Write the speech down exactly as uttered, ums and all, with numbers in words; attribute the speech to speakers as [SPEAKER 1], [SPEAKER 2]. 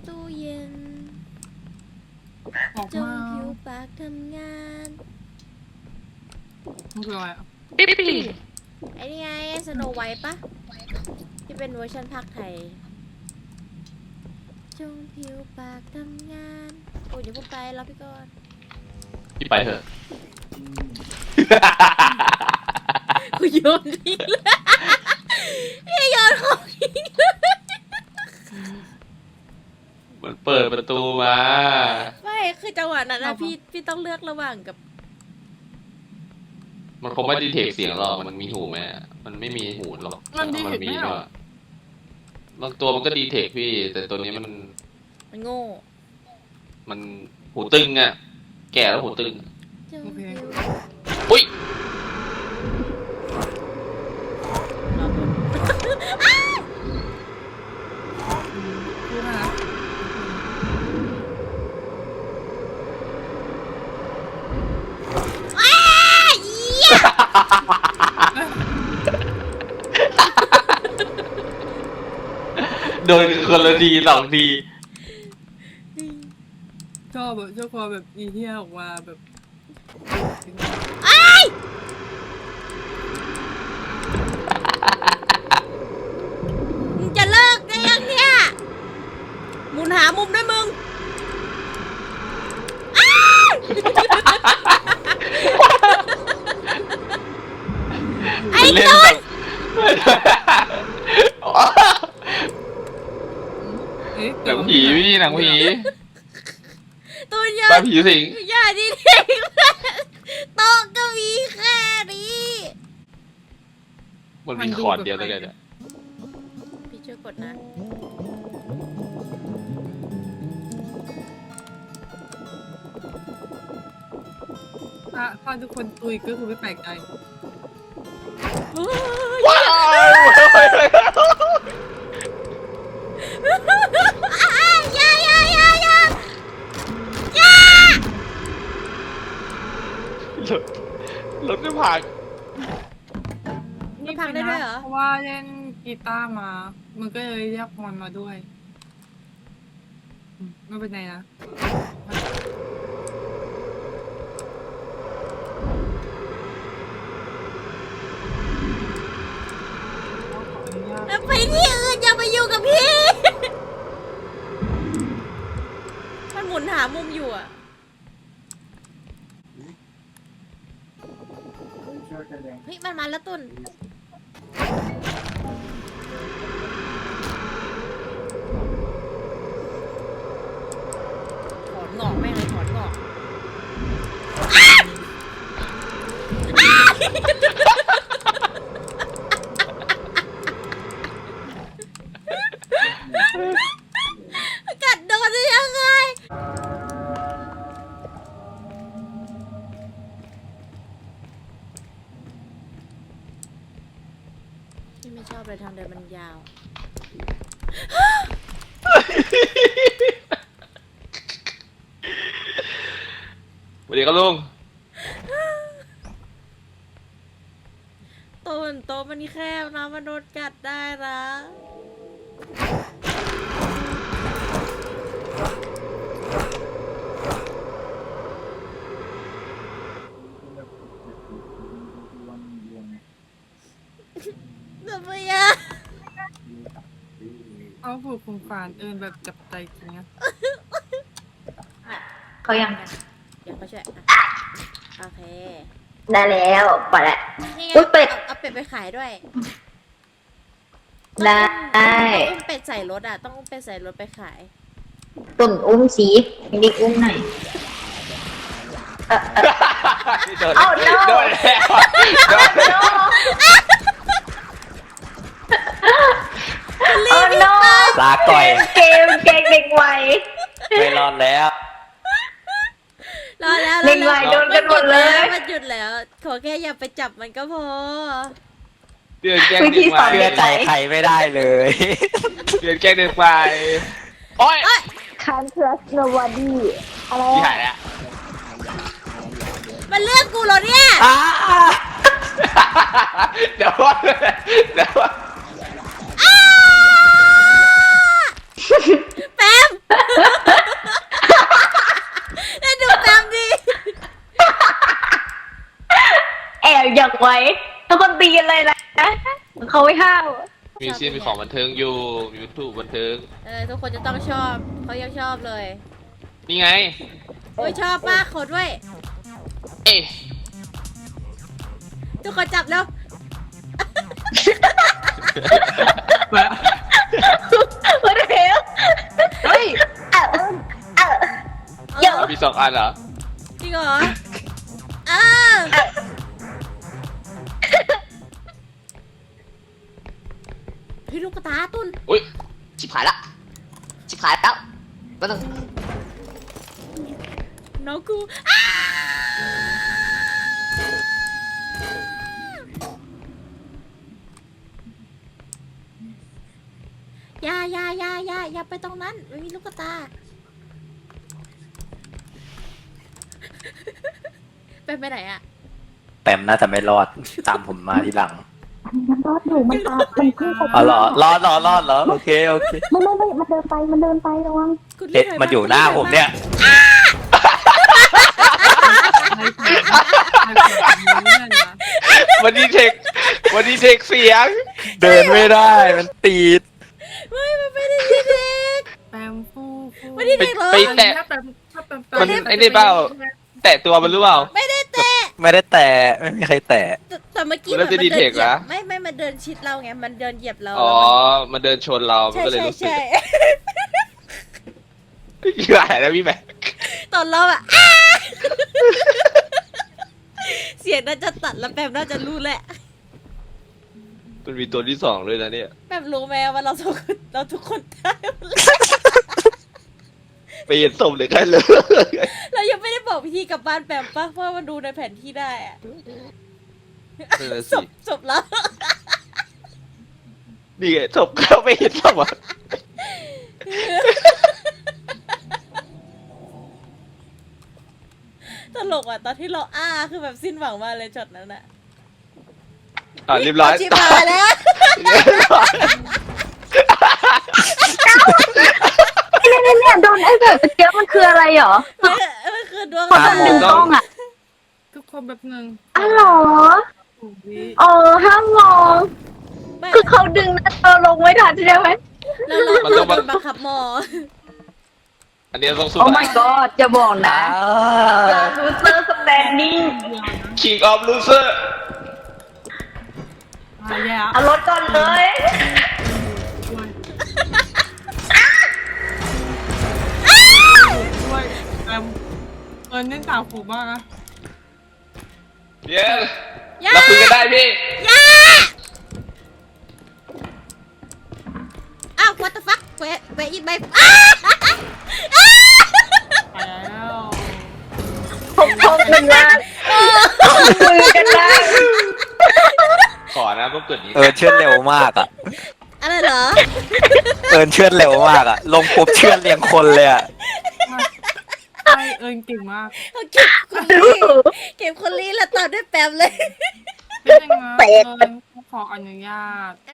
[SPEAKER 1] ตู้เย็น
[SPEAKER 2] ออก
[SPEAKER 1] จง
[SPEAKER 2] มา
[SPEAKER 1] ผิวปากทำงาน
[SPEAKER 2] มันคืออะไรอ่ะ
[SPEAKER 3] ปิ๊ปปี้
[SPEAKER 1] ไอ้นี่ไงสโนไวท์ปะที่เป็นเวอร์ชันภาคไทย จงผิวปากทำงานโอ้ยอย่าพูดไปรอพี่ก่อน
[SPEAKER 3] พี่ไปเถอะ
[SPEAKER 1] กูโยนทิ้งเลยพี่โยนของทิ้งเลย
[SPEAKER 3] มันเปิดประตูมา
[SPEAKER 1] ไม่คือจังหวะนั้นนะพี่พี่ต้องเลือกระหว่างกับ
[SPEAKER 3] มันคงไม่ดีเทคเสียงหรอกมันมีหูไหมมันไม่มีหูหรอก
[SPEAKER 2] มันดีเทค
[SPEAKER 3] มี
[SPEAKER 2] ไม่หรอ
[SPEAKER 3] ด้วยบางตัวมันก็ดีเทคพี่ แต่ตัวนี้มัน
[SPEAKER 1] มันโง่
[SPEAKER 3] มันหูตึงอ่ะ แก่แล้วหูตึง
[SPEAKER 1] จง
[SPEAKER 2] โอเค
[SPEAKER 1] ผิว
[SPEAKER 3] อุ้ย
[SPEAKER 1] รอบน
[SPEAKER 2] รู้นะ
[SPEAKER 1] อ้าเหี้ย
[SPEAKER 3] โดนคนละทีสองที
[SPEAKER 2] ชอบแบบชอบความแบบอีเทียออกมาแบบ
[SPEAKER 1] อ้ายมึงจะเลิกได้ยังเนี่ยหมุนหามุมด้วยมึงอ้ายไอ้
[SPEAKER 3] เล่น
[SPEAKER 1] ต้
[SPEAKER 3] แบ
[SPEAKER 1] น
[SPEAKER 3] บ
[SPEAKER 2] เอ๊ะ
[SPEAKER 3] หนังผีพี่หนังผี
[SPEAKER 1] ตัวเยอะ
[SPEAKER 3] ปลาผีสิง
[SPEAKER 1] อย่าดีเด็กโต๊ะก็มีแค่นี้
[SPEAKER 3] มันมีคอร์ดเดียวเลยเนี่ย
[SPEAKER 1] พี่ช่วยกดนะ
[SPEAKER 2] ถ้าถ้าทุกคนตุยก็คือไม่แปลกใจ
[SPEAKER 3] ว้าว
[SPEAKER 1] อย่าอย่าอย่าอย่าอย่าร
[SPEAKER 3] ถไม่ผ่าน
[SPEAKER 1] นี่พังได้ด้วยเหรอ
[SPEAKER 2] เพราะว่าเล่นกีตาร์มา มันก็เลยเรียกมันมาด้วยอืมไม่เป็นไรนะขออนุญาต
[SPEAKER 1] ไปที่อื่นอย่าไปอยู่กับพี่ มันหมุนหามุมอยู่อ่ะ เฮ้ย มันมาแล้วตุนถอนงอกแม่งเลยถอนงอกกัดโดนได้ยังไง ที่ไม่ชอบเลยทางเดินมันยาว
[SPEAKER 3] สวัสดีครับลุง
[SPEAKER 1] ต้นโตะมันแคบนะมันโดนกัดได้นะทำไมอะ
[SPEAKER 2] เอาผูกคุมฝานเอินแบบจับใจจริงนะ
[SPEAKER 4] เขายัง
[SPEAKER 1] เดี๋ยวเขาช่วยอ่ะโอเค
[SPEAKER 4] ได้แล้วปล่อยละ
[SPEAKER 1] นี่ไง
[SPEAKER 4] อุ๊ยเป็ด
[SPEAKER 1] เอาเอาเป็ดไปขายด้วย
[SPEAKER 4] ได้
[SPEAKER 1] ต้องอุ้มเป็ดใส่รถอ่ะ ต้องอุ้มเป็ดใส่รถไปขาย
[SPEAKER 4] ตุ่นอุ้มสีดิกอุ้มหน่อยเออเออ
[SPEAKER 3] โดน
[SPEAKER 4] เอ้า no
[SPEAKER 3] โดนแล้วโดน
[SPEAKER 4] โอ้ no
[SPEAKER 3] ลาก่อย
[SPEAKER 4] เกมเกมเด็กวัย
[SPEAKER 3] ไม่รอดแล้ว
[SPEAKER 1] รอแล้ว
[SPEAKER 4] เด็กวัยโดนกันหมดเลย
[SPEAKER 1] มันหยุดแล้ว ขอแค่อย่าไปจับมันก็พอ
[SPEAKER 3] เดือนแกล้ง
[SPEAKER 4] วิ
[SPEAKER 3] เด็
[SPEAKER 4] ธี
[SPEAKER 3] ก
[SPEAKER 4] สอ
[SPEAKER 3] วาน ย
[SPEAKER 4] เด็ก
[SPEAKER 5] ใจใครไม่ได้เลย
[SPEAKER 3] เดือนแกล้งเด็กวายโอ้ย
[SPEAKER 4] Can't trust nobody อะไร
[SPEAKER 3] พี่
[SPEAKER 4] อะ
[SPEAKER 3] หายแล้ว
[SPEAKER 1] มันเลือกกูเหรอเนี่ย
[SPEAKER 3] เดี๋ยวว่าเดี๋ยวว่า
[SPEAKER 1] แปม
[SPEAKER 4] เขาไม่ห้าม
[SPEAKER 3] มีซีนมีของบันเทิงอยู่มีวัตถุบันเทิง
[SPEAKER 1] เออทุกคนจะต้องชอบเขายังชอบเลย
[SPEAKER 3] นี่ไง
[SPEAKER 1] โอ้ยชอบมากขอด้วย
[SPEAKER 3] เอ๊ะ
[SPEAKER 1] ทุกคนจับแล้ว
[SPEAKER 2] แบบ
[SPEAKER 4] เฮ้ยเดี๋ยวเฮ้ยเอ่ะเอ่ะเดี๋ยว
[SPEAKER 3] มีสองอันเหรอ
[SPEAKER 1] จริงเหรออ้าพี่ลูกกระตาตุน
[SPEAKER 3] อุ้ย
[SPEAKER 5] ชิบหายละชิบหายแล้วก็ต้อง
[SPEAKER 1] น้องกูอ้าอย่าอย่าอย่าอย่าอย่าไปตรงนั้นไม่มีลูกกระตาเป็นไปไหนอะ
[SPEAKER 6] แปมน่าจะไม่รอด ตามผมมาทีหลัง
[SPEAKER 4] มันรอดอยู่มันตามมันขึ้นไป
[SPEAKER 6] อ๋อเหรอรอดรอดรอดเหรอโอเคโอเค
[SPEAKER 4] ไม่ไม่ไม่มันเดินไปมันเดินไประวัง
[SPEAKER 1] คุณ
[SPEAKER 6] เด็ด
[SPEAKER 1] รีบถ
[SPEAKER 6] มันอยู่หน้าผมเนี่ย
[SPEAKER 2] อะไรแบบนี้เนี่ยนะ
[SPEAKER 3] วันนี้เทควันนี้เทคเสียง
[SPEAKER 6] เดินไม่ได้มันตีด
[SPEAKER 1] ไม่มันไม่ได้ยินเด็ก
[SPEAKER 2] แปมฟูฟู
[SPEAKER 1] ไม่ได้เด็กเหรอ
[SPEAKER 3] ไปแตะ
[SPEAKER 2] ถ้าแปมถ้าแปม
[SPEAKER 3] มันไอ้นี่เปล่า แตะตัวมันหรือเปล่า
[SPEAKER 1] ไม่ได้เตะ
[SPEAKER 6] ไม่ได้แตะไม่มีใครแตะ
[SPEAKER 1] แต่แต่เมื่อกี้
[SPEAKER 3] มันน่าจะ
[SPEAKER 1] หมือน
[SPEAKER 3] ดีเทค
[SPEAKER 1] ดินหยียบ
[SPEAKER 3] นะ
[SPEAKER 1] ไม่ไม่มันเดินชิดเราไงมันเดินเหยียบเรา
[SPEAKER 3] อ๋อ มันเดินชนเรา มัน
[SPEAKER 1] ใช่
[SPEAKER 3] ก็เลย
[SPEAKER 1] ใช่
[SPEAKER 3] รู้สึก
[SPEAKER 1] ใช่
[SPEAKER 3] พี่อะไรนะพี่แม่
[SPEAKER 1] ตอนเราอะอ้าเสียงน่าจะตัดแล้วแปมน่าจะรู้แหละ
[SPEAKER 3] มันมีตัวที่สองเลยนะเนี่ย
[SPEAKER 1] แปมรู้ไหมว่าเราทุกคนเราทุกคนตายหมดเลย
[SPEAKER 3] ไปเห็นศพเลยกันเลย
[SPEAKER 1] เรายังไม่ได้บอกพิธีกลับบ้านแปมปะเพราะว่ามันดูในแผนที่ได้อะ
[SPEAKER 3] นั่นแหละ
[SPEAKER 1] ศ
[SPEAKER 3] สิ
[SPEAKER 1] พศพแล้ว
[SPEAKER 3] นี่ไงศพเข้าไปเห็นศพอ่ะ
[SPEAKER 1] ตลกอ่ะตอนที่เราอ้าคือแบบสิ้นหวังมากเลยช็อตนั้นอะ
[SPEAKER 3] อ่ะเรียบร้อย
[SPEAKER 1] าชิบหายแล้ว
[SPEAKER 4] เนี่ยเนี่ยเนี่ยโดนไอ้แบบเกี้ยวมันคืออะไรเหรอ
[SPEAKER 1] มันมันคือดวง
[SPEAKER 4] เขาจะดึงกล้องอ่ะ
[SPEAKER 2] ทุกคนแบบหนึ่ง
[SPEAKER 4] อ๋อเหรอ
[SPEAKER 2] ถูกวิ
[SPEAKER 4] อ๋อห้ามมอง
[SPEAKER 1] ไม่
[SPEAKER 4] คือเขาดึงนะเราลงไม่ทันใช่ไหม
[SPEAKER 1] แล้วเราเราโดนบังคับมอ
[SPEAKER 3] อันนี้ต้องสู้
[SPEAKER 4] โอ้ my god จะบอกนะลูเซอร์สแตนดิ้ง
[SPEAKER 3] คิงออฟลูเซอร์
[SPEAKER 2] อ่ะแย่
[SPEAKER 4] เอารถก่อนเลย
[SPEAKER 2] ด้วยด้วยแปมเออเน้นตาผูมากนะ
[SPEAKER 3] เย้เราคุยกันได้พี่
[SPEAKER 1] ย่าอ้าว what the fuck เวเวอีใบอ้า
[SPEAKER 2] ไปแล้ว
[SPEAKER 4] พบพบกันนะมือกันนะ
[SPEAKER 3] ขอนะต้องเกิดนี้
[SPEAKER 6] เออเชื่อดเร็วมากอ่ะ
[SPEAKER 1] อะไรเหรอ
[SPEAKER 6] เอินเชื่อดเร็วมากอ่ะ ลงปุ๊บเชื่อดเรียงคนเลยอ่ะ
[SPEAKER 2] ใช่เอิญเก่งมาก
[SPEAKER 1] เขาเก็บคนลีเก็บคนลีแล้วตอนด้วยแปมเลย
[SPEAKER 2] เป็นยังไงเอิญขออนุญาต